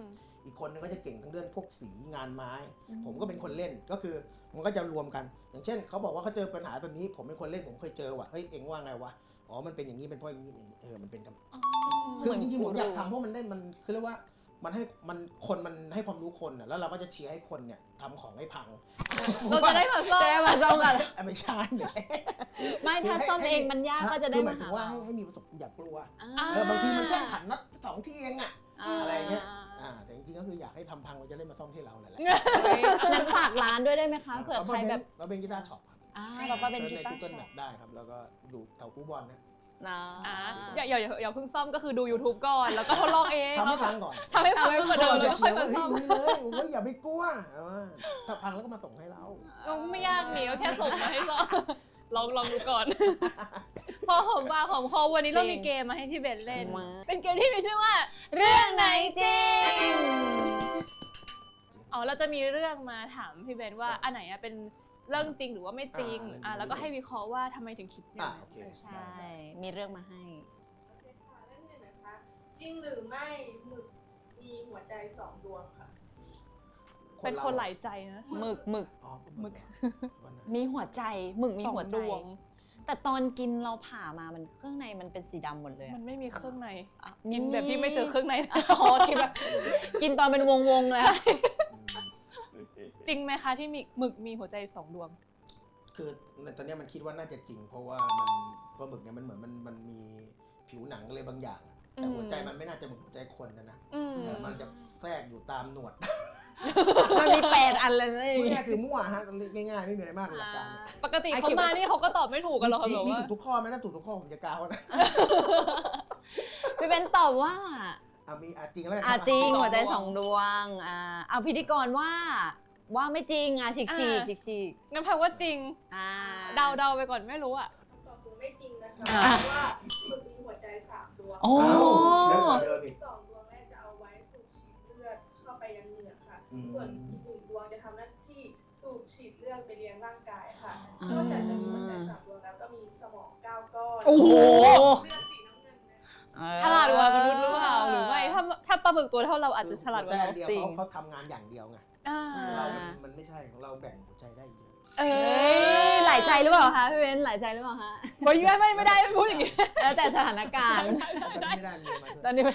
[SPEAKER 1] อีกคนนึงก็จะเก่งทั้งเรื่องพวกสีงานไม้ ผมก็เป็นคนเล่นก็คือมันก็จะรวมกัน อย่างเช่นเขาบอกว่าเขาเจอปัญหาแบบนี้ผมเป็นคนเล่นผมเคยเจอว่ะเฮ้ยเอ็งว่าไงวะอ๋อมันเป็นอย่างนี้เป็นเพราะอย่างนี้มันเป็นกันคือจริงๆผมอยากทำเพราะมันได้มันคือเรียกว่ามันให้มันคนมันให้ความรู้คนอ่ะแล้วเราก็จะเชียร์ให้คนเนี่ยทำของให้พัง
[SPEAKER 3] เราจะได้มาซ่อม
[SPEAKER 2] มาซ่อมกัน
[SPEAKER 1] ไม่ใช่เนี่ย
[SPEAKER 2] ไม่ถ้าซ่อมเองมันยากก็จะได้
[SPEAKER 1] คือห
[SPEAKER 2] มา
[SPEAKER 1] ยถึ
[SPEAKER 2] หาง
[SPEAKER 1] ว่า
[SPEAKER 2] เรา
[SPEAKER 1] ให้มีประสบอย่ากลัว
[SPEAKER 2] อ่า
[SPEAKER 1] บางทีมันแค่ขันน็อต2 ที่เองอ่ะ
[SPEAKER 2] า
[SPEAKER 1] อะไรเงี้ย แต่จริงๆก็คืออยากให้ทำพังเราจะได้มาซ่อมที่เราแหละ
[SPEAKER 2] นั้นฝากร้านด้วยได้ไหมคะเผื่อใครแบบ
[SPEAKER 1] เราเป็นกีตาร์ช็อปครับ
[SPEAKER 2] เราก็เป็น
[SPEAKER 1] ซิ
[SPEAKER 2] กี
[SPEAKER 1] ร์ชใน
[SPEAKER 2] ตาร์
[SPEAKER 1] Google
[SPEAKER 2] ช็อป
[SPEAKER 1] Map ได้ครับแล้วก็ดูแถวคูบอลนะ
[SPEAKER 2] นะ
[SPEAKER 3] อย่าเพิ่งซ่อมก็คือดู YouTube ก่อนแล้วก็ทดลองเอง
[SPEAKER 1] ทำให้พังก่อน
[SPEAKER 3] ทำให้พังก่อนเดิมแล้วค่อยมาซ่อม
[SPEAKER 1] เฮ้ยเลยโอ้ยอย่าไปกลัวถ้าพังแล้วก็มาส่งให้เรา
[SPEAKER 3] ก็ไม่ยากนี่ก็แค่ส่งมาให้ซ่อมลองดูก่อน พอหอมปากหอมคอวันนี้เรามีเกมมาให้พี่เบนเล่น เป็นเกมที่มีชื่อว่า
[SPEAKER 2] เรื่องไหนจริง
[SPEAKER 3] อ๋อเราจะมีเรื่องมาถามพี่เบนว่าอันไหนเป็นเรื่องจริงหรือว่าไม่จริงแล้วก็ให้วิเคราะห์ว่าทำไมถึงคิดอย่างนั้น
[SPEAKER 1] โอเค
[SPEAKER 2] ใช่ มีเรื่องมาให้
[SPEAKER 5] โอเคค่ะเรื่องหนึ่งนะคะ จริงหรือไม่หมึกมีหัวใจ2 ดวงค่ะ
[SPEAKER 3] เป็นคนหลายใจนะ
[SPEAKER 2] หมึก
[SPEAKER 1] อ๋อหมึก
[SPEAKER 2] มีหัวใจหมึกมีหัวใจ
[SPEAKER 3] 2 ดวง
[SPEAKER 2] แต่ตอนกินเราผ่ามามันเครื่องในมันเป็นสีดำหมดเลย
[SPEAKER 3] มันไม่มีเครื่องในกินแบบที่ไม่เจอเครื่องใน
[SPEAKER 2] อ๋อกินแบบกินตอนเป็นวงๆเลยอะ
[SPEAKER 3] จริงไหมคะที่มีหมึกมีหัวใจ2 ดวง
[SPEAKER 1] คือตอนนี้มันคิดว่าน่าจะจริง เพราะว่ามันปลาหมึกเนี่ยมันเหมือนมันมีผิวหนังอะไรบางอย่างอะแต่หัวใจมันไม่น่าจะเหมือนหัวใจคนนะ แต่มันจะแทรกอยู่ตามหนวด
[SPEAKER 2] มันมี8 อันเลยนะ
[SPEAKER 1] พูดง่ายๆคือมั่วฮะง่ายๆไม่มีอะไรมากหลักการเนี่ย
[SPEAKER 3] ปกติเขามานี่เขาก็ตอบไม่ถูกกันหรอกค่ะแบบ
[SPEAKER 1] มี
[SPEAKER 3] ว่า
[SPEAKER 1] ถูกทุกข้อไหมถ้าถูกทุกข้อผมจะกาวนะ
[SPEAKER 2] พี่เบนตอบว่า
[SPEAKER 1] มีจริงแล้วกัน
[SPEAKER 2] จริงหัวใจ2 ดวงเอาพิธีกรว่าไม่จริงฉีก
[SPEAKER 3] งั้นแปลว่าจริง เดาไปก่อนไม่รู้อ่ะ
[SPEAKER 5] คำตอบคือไม่จริงนะคะเพราะว่าหมึกมีหัวใจ3 ดวง
[SPEAKER 2] โอ้
[SPEAKER 1] เยอะกว่าเดิมอีก
[SPEAKER 5] 2 ดวงแรกจะเอาไว้สูบฉีดเลือดเข้าไปยังเหงือกค่ะ
[SPEAKER 1] อืม
[SPEAKER 5] ส่วนอีก1 ดวงจะทำหน้าที่สูบฉีดเลือดไปเลี้ยงร่างกายค่ะนอกจากจะมีหัวใจ3 ดวงแล้วก็มีสมอง9 ก้อน
[SPEAKER 3] โอ้โห
[SPEAKER 5] เลือดสีน้ำเงินนะ
[SPEAKER 3] ฉลาดกว่ามนุษย์หรือเปล่าหรือไม่ถ้าปลาหมึกตัวเท่าเราอาจจะฉลาดกว่า
[SPEAKER 1] หัว
[SPEAKER 3] เรา
[SPEAKER 1] ใจอันเดียว
[SPEAKER 3] จริง
[SPEAKER 1] เขาทำงานอย่างเดียวไง เรามันไม่ใช่ของเราแบ่งหัวใจได้เยอะ
[SPEAKER 2] หลายใจหรือเปล่าคะพี่เบนหลายใจหรือเปล่าฮะ
[SPEAKER 3] ไม่ได้พูดอย่างนี้
[SPEAKER 2] แล้วแต่สถานการณ์
[SPEAKER 1] ไม่ได้มีมา
[SPEAKER 2] ตอนนี้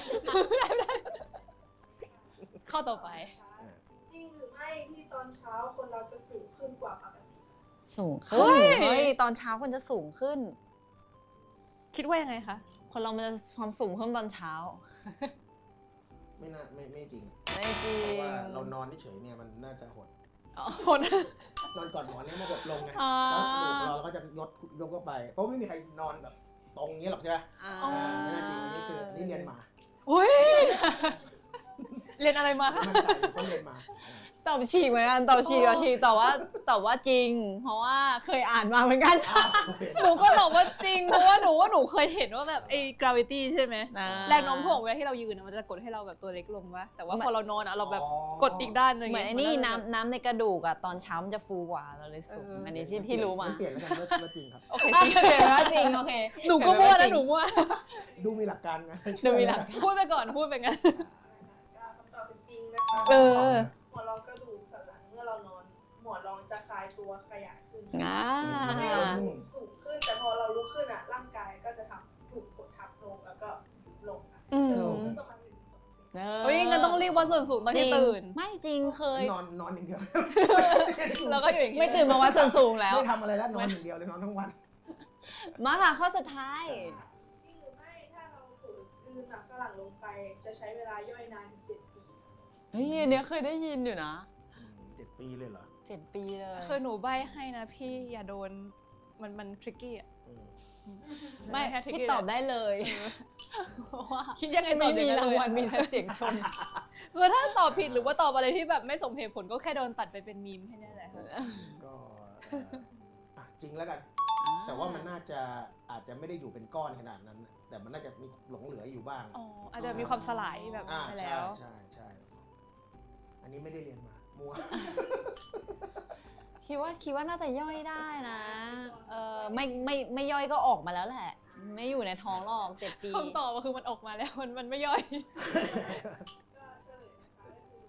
[SPEAKER 3] ข้อต่อไป
[SPEAKER 5] จริงหรือไม่ที่ตอนเช้าคนเราจะสูงขึ้นกว่าปกติ
[SPEAKER 2] สูงขึ้นเฮ้ยตอนเช้าคนจะสูงขึ้น
[SPEAKER 3] คิดว่ายังไงคะ
[SPEAKER 2] คนเรามันจะความสูงเพิ่มตอนเช้า
[SPEAKER 1] ไม่จริง
[SPEAKER 2] ไม่จริ
[SPEAKER 1] เพราะ
[SPEAKER 2] ง
[SPEAKER 1] ว่าเรานอนเฉยๆเนี่ยมันน่าจะหด
[SPEAKER 3] คน
[SPEAKER 1] นอนก่อนหมอนเนี่ยมันหดลงไง
[SPEAKER 2] อ๋อ
[SPEAKER 1] แล้วกระดูกเราก็จะยกเข้าไป เพราะไม่มีใครนอนแบบตรงนี้หรอกใช่ไหมไม่น่าจริงอันนี้คืออันนี้เรียนมา
[SPEAKER 3] อุ้ยเรียนอะไรมาคะ
[SPEAKER 1] มั่นใจเขาเรียนมา
[SPEAKER 2] ตอบฉีกเหมือนกันตอบฉีกแต่ว่าจริง เพราะว่าเคยอ่านมาเหมือนกัน
[SPEAKER 3] หนูก็บอกว่าจริงเพราะว่าหนูเคยเห็นว่าแบบไอ้ gravity ใช่ไหมแรงโน้มถ่วงเวลาที่เรายืนมันจะกดให้เราแบบตัวเล็กลงวะแต่ว่าพอเรานอนเราแบบกดอีกด้านหนึง
[SPEAKER 2] เหมือนไอ้นี่น้ำในกระดูกอะตอนเช้ามันจะฟูกว่าเราเลยสูงอันนี้ที่รู้มา
[SPEAKER 1] เปลี่ยนแล้วกันว่าจริงครับ
[SPEAKER 3] โอเค
[SPEAKER 2] เปลี่ยนว่าจริงโอเค
[SPEAKER 3] หนูก็มั่วนะหนูมั่ว
[SPEAKER 1] ดูมีหลักการไง
[SPEAKER 2] ดูมีหลัก
[SPEAKER 3] พูดไปก่อนพูดไปงั้น
[SPEAKER 5] ก็คำตอบเป็นจริงนะคะ หมอนรองกระดูกสันหลังเมื่อเรานอน หมอนรองจะคลายตัวขยายขึ้นทำให้เราสูงขึ้น แต่พอเราลุกขึ้นอ่ะร่างกายก็จะถูกกดทับลงแล้วก็ลงค่ะจะสูงขึ้นประมาณ1-2 เซน
[SPEAKER 3] เฮ้ยงั้นต้องรีบวัดส่วนสูงตอนที่ตื่น
[SPEAKER 2] ไม่จริงเคย
[SPEAKER 1] นอนอย่างเดียว
[SPEAKER 3] แล้วก็อยู่อย่างนี้
[SPEAKER 2] ไม่ตื่นมาวัดส่วนสูงแล้ว
[SPEAKER 1] ไม่ทำอะไรแล้วนอนอย่างเดียวเลยนอนทั้งวัน
[SPEAKER 2] มาค่ะข้อสุดท้าย
[SPEAKER 5] จริงหรือไม่ถ้าเราฝืนกลืนหมักฝรั่งลงไป จะใช้เวลาย่อยนานถึง7 ปี
[SPEAKER 2] เฮ้ยอันเนี้ยเคยได้ยินอยู่นะ
[SPEAKER 1] 7 ปีเลยเหรอ
[SPEAKER 2] 7 ปีเลย
[SPEAKER 3] คือหนูใบให้นะพี่อย่าโดนมันทริกกี้อ่ะ
[SPEAKER 2] ไม่
[SPEAKER 3] แค่ tricky
[SPEAKER 2] พี่ตอบได้เลยเพราะว่า
[SPEAKER 3] คิดยังไงต
[SPEAKER 2] ไม่
[SPEAKER 3] อบ
[SPEAKER 2] มี
[SPEAKER 3] อย่างนั้น
[SPEAKER 2] ราง
[SPEAKER 3] เลย
[SPEAKER 2] วัลมีแต่เสียงชม
[SPEAKER 3] คือถ้าตอบผิดหรือว่าตอบอะไรที่แบบไม่สมเหตุผลก็แค่โดนตัดไปเป็นมีมแค่นั้นแหละ
[SPEAKER 1] ก็จริงแล้วกัน แต่ว่ามันน่าจะอาจจะไม่ได้อยู่เป็นก้อนขนาดนั้น แต่มันน่าจะมีหลงเหลืออยู่บ้าง
[SPEAKER 3] อ๋ออาจจะมีความสลายแบบไป
[SPEAKER 1] ใช่
[SPEAKER 3] แล้ว
[SPEAKER 1] ใช่ อันนี้ไม่ได้เรียนมา มัว
[SPEAKER 2] คิดว่าน่าจะย่อยได้นะไม่ย่อยก็ออกมาแล้วแหละ ไม่อยู่ในท้องหรอก7 ปี
[SPEAKER 3] คำตอบก็คือมันออกมาแล้วมันไม่ย่อย
[SPEAKER 5] ก็เฉลยนะคะก็คือ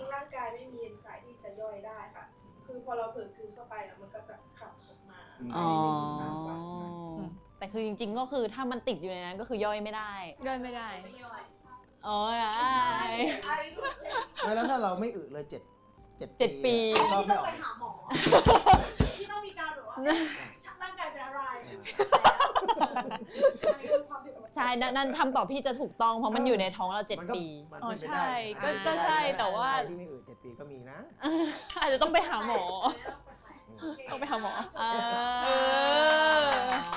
[SPEAKER 5] งๆร่างกายไม่มีเอนไซม์ที่จะย่อยได้ค่ะ คือพอเราเผลอกลืนเข้าไปแล้วมันก็จะขับออกมา
[SPEAKER 2] อ๋อ
[SPEAKER 5] ภายใน1-3 วัน
[SPEAKER 2] แต่คือจริงๆก็คือถ้ามันติดอยู่ในนั้นก็คือย่อยไม่ได้
[SPEAKER 3] ย่อยไม่ได้
[SPEAKER 5] ไม่ย่อย
[SPEAKER 2] โอ้ย
[SPEAKER 5] ไอ้สุดเลย
[SPEAKER 1] ไม่แล้วถ้าเราไม่อึเลย7
[SPEAKER 2] ปี
[SPEAKER 1] ก็
[SPEAKER 5] ที่
[SPEAKER 1] ไม่
[SPEAKER 5] ต้อง
[SPEAKER 1] ออ
[SPEAKER 5] ไป
[SPEAKER 1] ก
[SPEAKER 5] หาหมอ ที่ต้องมีการแบบว่าร่างกายเป็นอะไร
[SPEAKER 2] ใช่นั่นคำตอบพี่จะถูกต้องเพราะมันอยู่ในท้องเรา
[SPEAKER 1] มันก็
[SPEAKER 2] 7 ปี
[SPEAKER 1] มัน
[SPEAKER 3] อ๋อ
[SPEAKER 1] เป็นไปได้
[SPEAKER 3] ใช่ก็ใช่แต่ว่า
[SPEAKER 1] ใครที่ไม่อึ7 ปีก็มีนะ
[SPEAKER 3] อาจจะต้องไปหาหมอ ต้องไปหาหมอ
[SPEAKER 2] เออ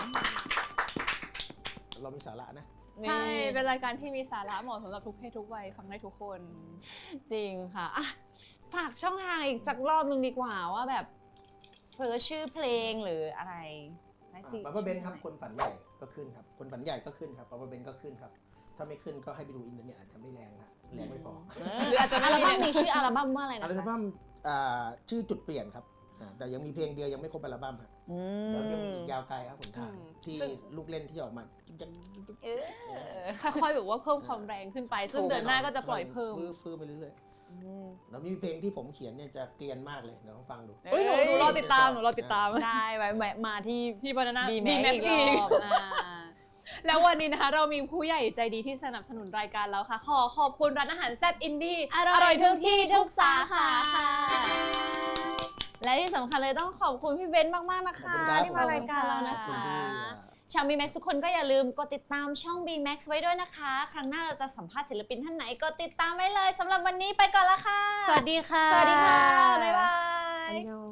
[SPEAKER 1] เรามีสาระนะ
[SPEAKER 3] ใช่ เป็นรายการที่มีสาระเหมาะสำหรับทุกเพศทุกวัยฟังได้ทุกคน
[SPEAKER 2] จริงค่ะอ่ะ ฝากช่องทางอีกสักรอบนึงดีกว่าว่าแบบเซิร์ชชื่อเพลงหรืออะไรได้สิ
[SPEAKER 1] บับเบิ้ลเบนครับคนฝันใหญ่ก็ขึ้นครับคนฝันใหญ่ก็ขึ้นครับบับเบิ้ลเบนก็ขึ้นครับถ้าไม่ขึ้นก็ให้ไปดูอินเทอร์เน็ตอาจจะไม่แรงนะแรงไม่พอ
[SPEAKER 3] หรืออาจจะไม่
[SPEAKER 2] อัล
[SPEAKER 3] มี
[SPEAKER 2] บั้
[SPEAKER 3] ใน
[SPEAKER 2] มมีชื่ออัลบั้มว่าอะไร
[SPEAKER 1] อั
[SPEAKER 2] นะ
[SPEAKER 1] ล
[SPEAKER 2] คะ
[SPEAKER 1] บั้มชื่อจุดเปลี่ยนครับแต่ยังมีเพลงเดียวยังไม่ครบอัลบั้มฮะ
[SPEAKER 2] อื
[SPEAKER 1] แล้วยังมี
[SPEAKER 2] ม
[SPEAKER 1] อีกยาวไกลครับผมทางที่ลูกเล่นที่ออกมา
[SPEAKER 2] เออ
[SPEAKER 3] ค่อยๆแบบว่าเพิ่มความแรงขึ้นไป ซึ่งเดือนหน้าก็จะปล่อยเพิ่ม
[SPEAKER 1] ฟื้นไปเรื่อยๆแล้วมีเพลงที่ผมเขียนเนี่ยจะเกรียนมากเลยเดี๋ยวลองฟังดู
[SPEAKER 3] อุ้ยหนูรอติดตามหนูรอติดตาม
[SPEAKER 2] ได้ไว้แวะมาที่
[SPEAKER 3] พี่บานาน่า
[SPEAKER 2] บี
[SPEAKER 3] บี
[SPEAKER 2] แม็
[SPEAKER 3] แม็
[SPEAKER 2] ก
[SPEAKER 3] ก
[SPEAKER 2] อี
[SPEAKER 3] อี
[SPEAKER 2] ก
[SPEAKER 3] ก
[SPEAKER 2] รอบ
[SPEAKER 3] แล้ววันนี้นะคะเรามีผู้ใหญ่ใจดีที่สนับสนุนรายการแล้วค่ะ ขอบคุณร้านอาหารแซ่บอินดี้
[SPEAKER 2] อร่อยทุกที่ทุกสาขาค่ะ และที่สำคัญเลยต้องขอบคุณพี่เบนซ์มากๆนะคะ
[SPEAKER 1] ขอบคุณครับ
[SPEAKER 2] ที่มารายการเรานะ
[SPEAKER 1] ขอบคุณ
[SPEAKER 2] คะ
[SPEAKER 1] ที่
[SPEAKER 2] ชาว B-Max ทุกคนก็อย่าลืมกดติดตามช่อง B-Max ไว้ด้วยนะคะ ครั้งหน้าเราจะสัมภาษณ์ศิลปินท่านไหนก็ติดตามไว้เลยสำหรับวันนี้ไปก่อนละค่ะ
[SPEAKER 3] สวัสดีค่ะ
[SPEAKER 2] สวัสดีค่ะ บ๊ายบาย
[SPEAKER 1] อันยอง